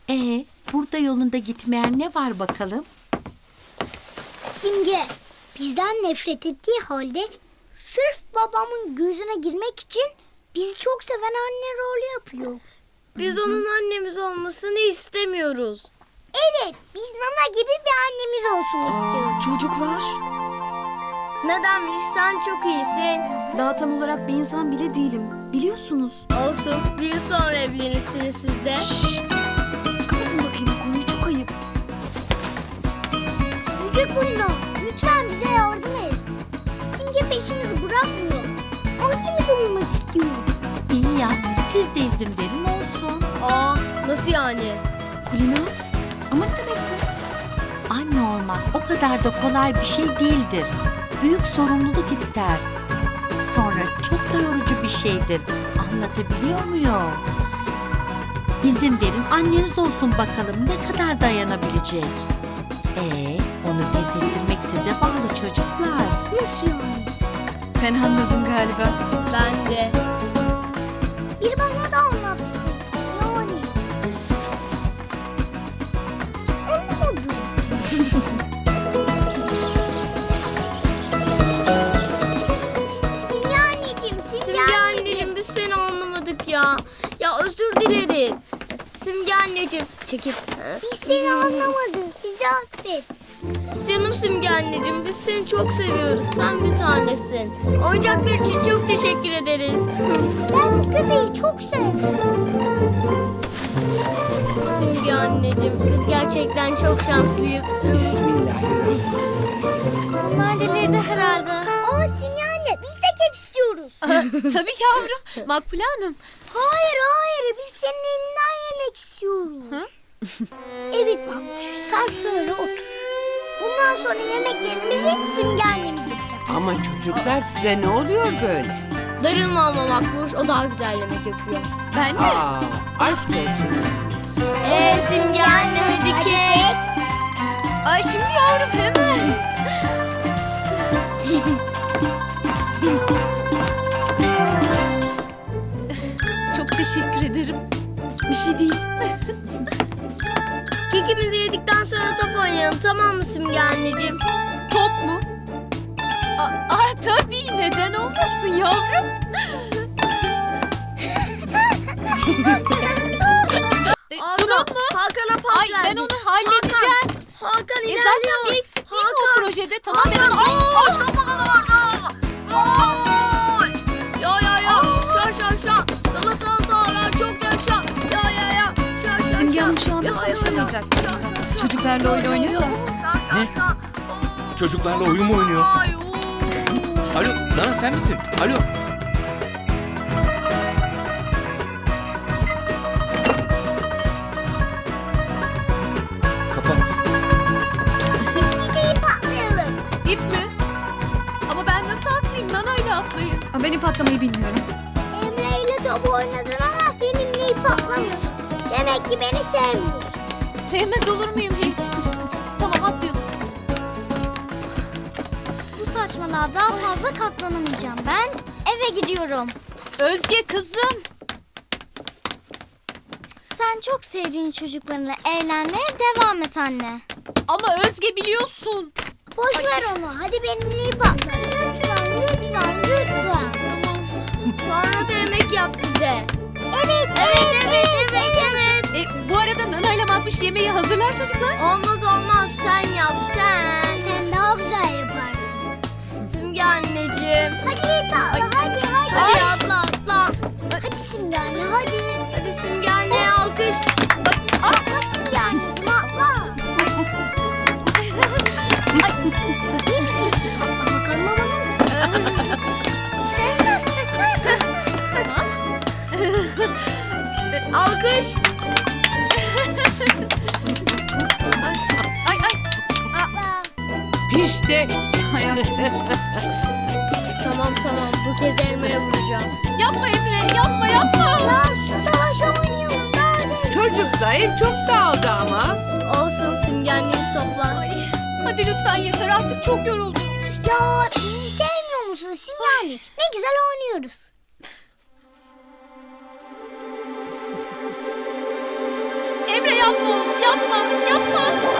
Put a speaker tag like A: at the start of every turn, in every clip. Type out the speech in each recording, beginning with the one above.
A: Burada yolunda gitmeyen ne var bakalım?
B: Simge, bizden nefret ettiği halde sırf babamın gözüne girmek için bizi çok seven anne rolü yapıyor.
C: Biz onun annemiz olmasını istemiyoruz.
B: Evet, biz Nana gibi bir annemiz olsun istiyoruz.
D: Çocuklar,
C: Nedenmiş, sen çok iyisin.
D: daha tam olarak bir insan bile değilim. Biliyorsunuz.
C: Olsun, bir yıl sonra evlenirsiniz siz de.
D: Şşt! Kapatın bakayım bu konuyu, çok ayıp.
B: Yüce Kulina, lütfen bize yardım et. Simge peşimizi bırakmıyor. Annemiz olmak istiyor.
A: İyi ya, siz de izin verin olsun.
C: Aa, nasıl yani?
D: Kulina, ama ne demek bu?
A: Anne olmak o kadar da kolay bir şey değildir. Büyük sorumluluk ister. Sonra çok da yorucu bir şeydir. Anlatabiliyor muyum? İzin verin anneniz olsun bakalım ne kadar dayanabilecek. Onu pes ettirmek size bağlı çocuklar.
B: Nasıl yani?
D: Ben anladım galiba.
C: Ben de.
B: Bir bana da anlatsın. Yani. Anlamadım. Simge anneciğim,
C: Simge anneciğim, biz seni anlamadık ya. Ya özür dileriz. Simge anneciğim, çekil.
B: Biz seni anlamadık. Bizi affet.
C: Canım Simge anneciğim, biz seni çok seviyoruz. Sen bir tanesin. Oyuncaklar için çok teşekkür ederiz.
B: Ben bu köpeği çok sevdim.
C: Simge anneciğim, biz gerçekten çok şanslıyız.
E: Bismillahirrahmanirrahim.
B: Bunlar delirdi herhalde. Aa Simge anne, biz de kek istiyoruz.
D: Tabii yavrum, Makbule Hanım.
B: Hayır, biz senin elinden yemek istiyoruz. Evet Mahmut, sen şöyle otur. Bundan sonra yemeklerimizi Simge annemiz yapacak.
E: Ama çocuklar size ne oluyor böyle?
C: Darılma ama Makbuş, o daha güzel yemek yapıyor.
D: Ben de.
E: Aa, aşk olsun.
C: Simge anne hadi kek.
D: Ay şimdi yavrum hemen. Çok teşekkür ederim. Bir şey değil.
C: Kekimizi yedikten sonra top oynayalım, tamam mı Simge anneciğim?
D: Top mu? Tabii, neden olmasın yavrum? Sunum mu?
C: Hakan'a pas
D: Ay ben
C: verdik.
D: onu halledeceğim.
C: Hakan
D: Zaten
C: ilerliyor.
D: bir eksik değil mi o projede? Tamam ben onu...
C: Ya. Şa. Galatasaray çok yaşa. Ya. Şa.
D: Simge Hanım şu anda konuşamayacak. Çocuklarla oyun oynuyor da.
F: Ne? Çocuklarla oyun mu oynuyor? Alo, Nana sen misin? Alo. Kapattım.
B: Şimdi de ip atlayalım.
D: İp mi? Ama ben nasıl atlayayım? Nana'yla atlayayım. Ben ip atlamayı bilmiyorum.
B: Emre ile top oynadın ama benimle ip atlamıyorsun. Demek ki beni sevmiyorsun.
D: Sevmez olur muyum hiç? Tamam atlayalım.
B: Bu saçmalığa daha fazla katlanamayacağım. Ben eve gidiyorum.
D: Özge kızım.
B: Sen çok sevdiğin çocuklarınla eğlenmeye devam et anne.
D: Ama Özge biliyorsun.
B: Boş ver onu. Hadi benimle ip atla. Lütfen.
C: Sonra da yemek yap bize.
B: Evet.
D: Bu arada Nana'yla Makbuş yemeği hazırlar çocuklar.
C: Olmaz sen yap sen.
B: Sen daha güzel yaparsın.
C: Simge anneciğim.
B: Hadi ip atla. Hadi.
C: Hadi atla.
B: Hadi Simge anne hadi.
C: Hadi Simge anneye alkış.
B: Atla Simge anneciğim atla. Ne biçim ip atlamak anlamadım ki.
C: Alkış.
D: Ay.
B: Atla.
E: Pişti.
C: Tamam. Bu kez elmaya vuracağım.
D: Yapma Emre, yapma.
B: Ya su savaşı oynayalım. Daha zevkli.
E: Çocuklar ev çok dağıldı ama.
C: Olsun Simge anneyi topla.
D: Ay. Hadi lütfen yeter artık çok yoruldum.
B: Ya bizi sevmiyor musun Simge anne? Ne güzel oynuyoruz.
D: Emre yapma oğlum, yapma, yapma.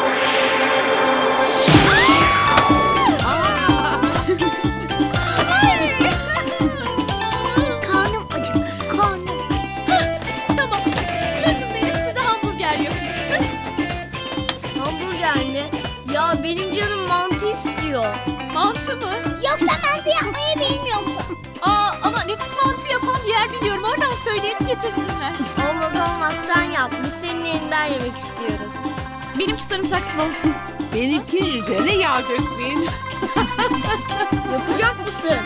B: Karnım acıktı. Karnım.
D: Tamam, çözün beni, size hamburger yapayım.
C: Hamburger mi? Ya benim canım mantı istiyor.
D: Mantı mı?
B: Yoksa mantı yapmayı bilmiyor musun?
D: Ama nefis mantı yapan bir yer biliyorum. Oradan söyleyelim getirsinler.
C: Olmaz sen yap. Biz senin elinden yemek istiyoruz.
D: Benimki sarımsaksız olsun.
E: Benimki üzerine yağ dökmeyin.
C: Yapacak mısın?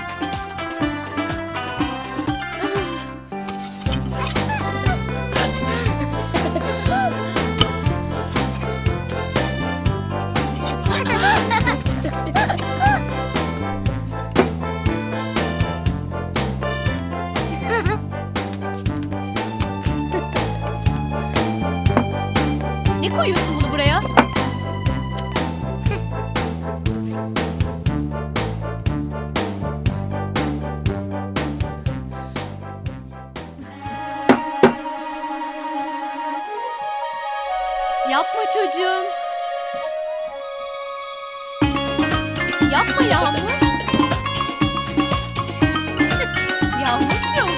D: Ne koyuyorsun bunu buraya? Yapma çocuğum. Yapma Yağmur. Yağmurcuğum.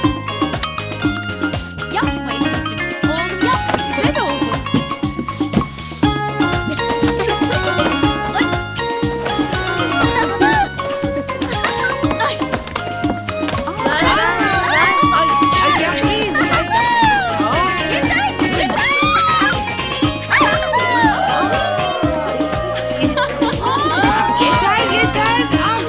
D: Yapma anneciğim. Oğlum yapma, güzel oldu.
E: Ay yapmayın. Yeter.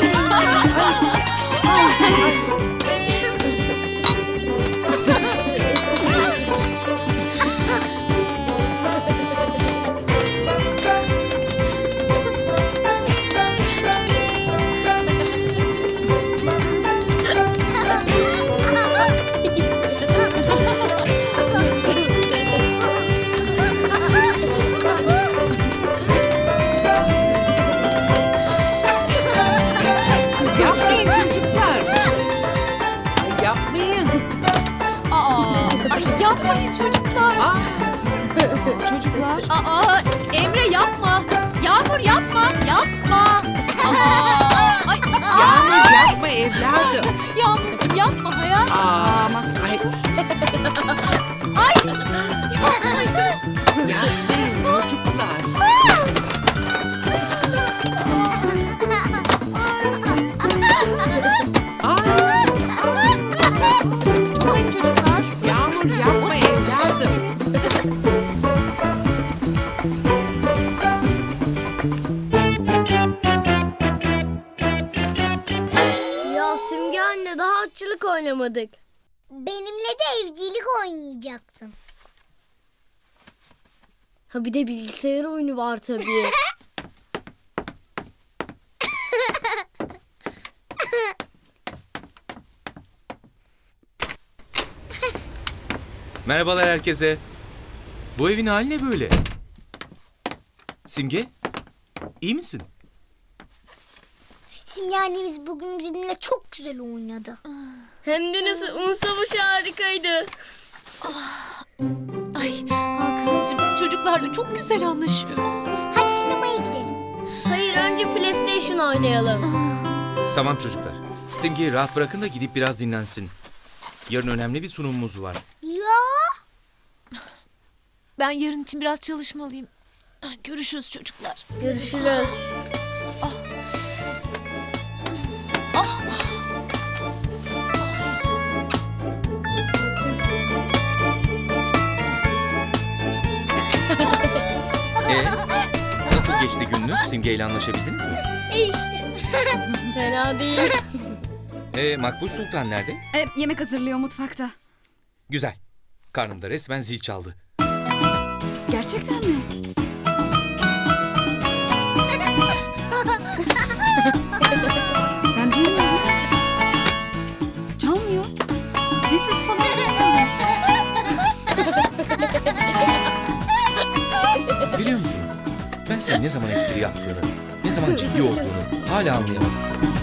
E: Yapmayın çocuklar. Ay yapmayın.
D: Ay yapmayın çocuklar. Çocuklar. Emre yapma. Yağmur yapma. Yapma. Ay,
E: Yağmur yapma evladım.
D: Yağmurcuğum yapma hayatım.
E: Ay. Yapmayın çocuklar.
D: Çok ayıp çocuklar.
E: Yağmur yapma evladım.
C: Ya Simge anne daha atçılık oynamadık.
B: Benimle de evcilik oynayacaksın.
C: Ha bir de bilgisayar oyunu var tabii.
F: Merhabalar herkese. Bu evin hali ne böyle? Simge, iyi misin?
B: Simge annemiz bugün bizimle çok güzel oynadı.
C: Hem de nasıl un savaşı harikaydı.
D: Ay Hakan'cığım çocuklarla çok güzel anlaşıyoruz.
B: Hadi sinemaya gidelim.
C: Hayır önce PlayStation oynayalım.
F: Tamam çocuklar. Simge'yi rahat bırakın da gidip biraz dinlensin. Yarın önemli bir sunumumuz var.
B: Ya.
D: Ben yarın için biraz çalışmalıyım. Görüşürüz çocuklar.
C: Görüşürüz.
F: Nasıl geçti gününüz? Simge ile anlaşabildiniz mi?
B: İşte.
C: Fena değil.
F: Makbuş Sultan nerede?
D: Yemek hazırlıyor mutfakta.
F: Güzel. Karnımda resmen zil çaldı.
D: Gerçekten mi? Ben bilmiyorum. Çalmıyor. Zilsiz falan bilmiyorum.
F: Biliyor musun? Ben senin ne zaman espri yaptığını, ne zaman ciddi olduğunu hala anlayamadım.